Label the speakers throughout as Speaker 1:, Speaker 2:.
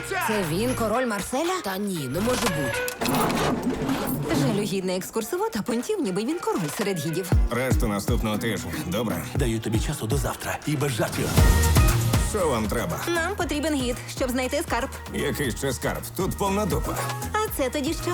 Speaker 1: Дивіться!
Speaker 2: Це він, король Марселя?
Speaker 3: Та ні, не може бути.
Speaker 2: Жалюгідний екскурсовод, а понтів, ніби він король серед гідів.
Speaker 1: Решту наступного тижня. Добре?
Speaker 4: Даю тобі часу до завтра і без жартів.
Speaker 1: Що вам треба?
Speaker 2: Нам потрібен гід, щоб знайти скарб.
Speaker 1: Який ще скарб? Тут повна дупа.
Speaker 2: А це тоді що?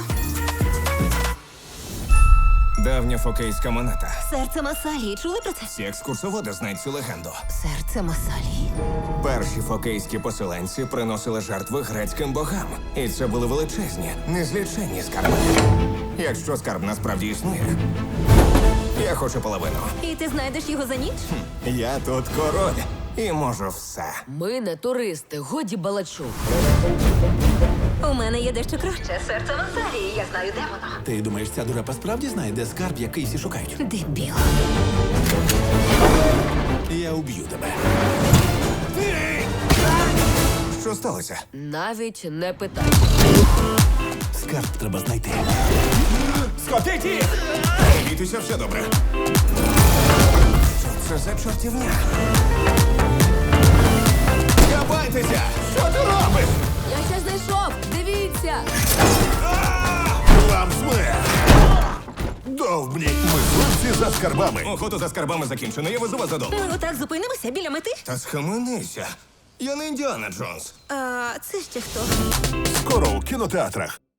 Speaker 1: Давня фокейська монета.
Speaker 2: Серце Масалії. Чули про це?
Speaker 1: Всі екскурсоводи знають цю легенду.
Speaker 2: Серце Масалії.
Speaker 1: Перші фокейські поселенці приносили жертви грецьким богам. І це були величезні, незліченні скарби. Якщо скарб насправді існує, я хочу половину.
Speaker 2: І ти знайдеш його за ніч?
Speaker 1: Я тут король і можу все.
Speaker 3: Ми не туристи, годі балачу.
Speaker 2: У мене є дещо краще. Серце Масалії. Я знаю, де воно.
Speaker 4: Ти думаєш, ця дурепа справді знає, де скарб, який всі шукають?
Speaker 2: Дебіл.
Speaker 4: Я уб'ю тебе.
Speaker 1: Що сталося?
Speaker 3: Навіть не питай.
Speaker 4: Скарб треба знайти.
Speaker 1: Скотить їх! Не бійтеся, все добре. Що це за чортівня? Кабайтеся! Що ти робиш?
Speaker 3: Я ще знайшов! Дивіться!
Speaker 4: Вам смерть! Довбні! Мисливці за скарбами!
Speaker 1: Охота за скарбами закінчена, я везу вас додому.
Speaker 2: Ми отак зупинимося біля мети?
Speaker 1: Та схаменися. Я не Індіана Джонс.
Speaker 2: А це ще хто?
Speaker 4: Скоро у кінотеатрах.